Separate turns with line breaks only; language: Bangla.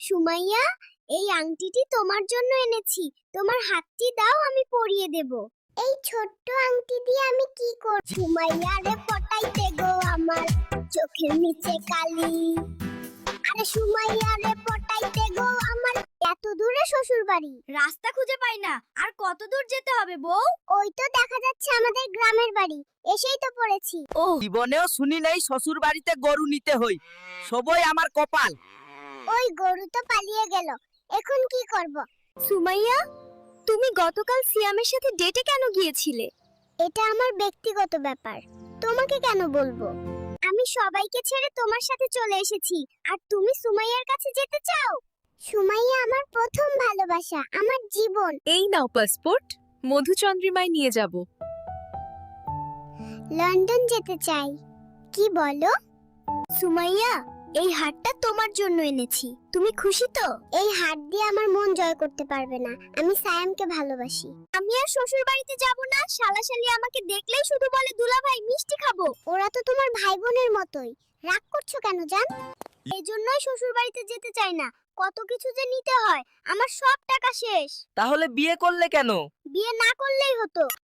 সুমাইয়া, এই আংটিটি তোমার জন্য এনেছি। তোমার হাতটি দাও, আমি পরিয়ে দেব। এই ছোট্ট আংটি দিয়ে আমি কি করব? সুমাইয়া রে পটাইতে গো আমার চোখের নিচে কালি। আরে সুমাইয়া রে পটাইতে গো আমার। এত দূরে শ্বশুর বাড়ি, রাস্তা খুঁজে পাই না। আর কত দূর যেতে হবে বউ? ওই তো দেখা যাচ্ছে আমাদের গ্রামের বাড়ি। এসেই তো পড়েছি।
ও জীবনেও শুনি নাই শ্বশুর বাড়িতে গরু নিতে হই। সবই আমার কপাল।
ওই গরু তো পালিয়ে গেল, এখন কি করব? সুমাইয়া, তুমি গতকাল সিয়ামের সাথে ডেটে কেন গিয়েছিলে? এটা আমার ব্যক্তিগত ব্যাপার, তোমাকে কেন বলবো? আমি সবাইকে ছেড়ে তোমার সাথে চলে এসেছি, আর তুমি সুমাইয়ার কাছে যেতে চাও? সুমাইয়া আমার প্রথম ভালোবাসা, আমার জীবন।
এই নাও পাসপোর্ট, মধুচন্দ্রিমায় নিয়ে যাব।
লন্ডন যেতে চাই। কি বলো? সুমাইয়া, এই হারটা তোমার জন্য এনেছি। তুমি খুশি তো? এই হার দিয়ে আমার মন জয় করতে পারবে না। আমি সায়ামকে ভালোবাসি। আমি আর শ্বশুর বাড়িতে যাব না। শালাশালি আমাকে দেখলেই শুধু বলে দুলাভাই মিষ্টি খাবো। ওরা তো তোমার ভাই বোনের মতোই। রাগ করছো কেন জান? এজন্যই শ্বশুর বাড়িতে যেতে চাই না। কত কিছু যে নিতে হয়, আমার সব টাকা শেষ।
তাহলে বিয়ে করলে কেন?
বিয়ে না করলেই হতো।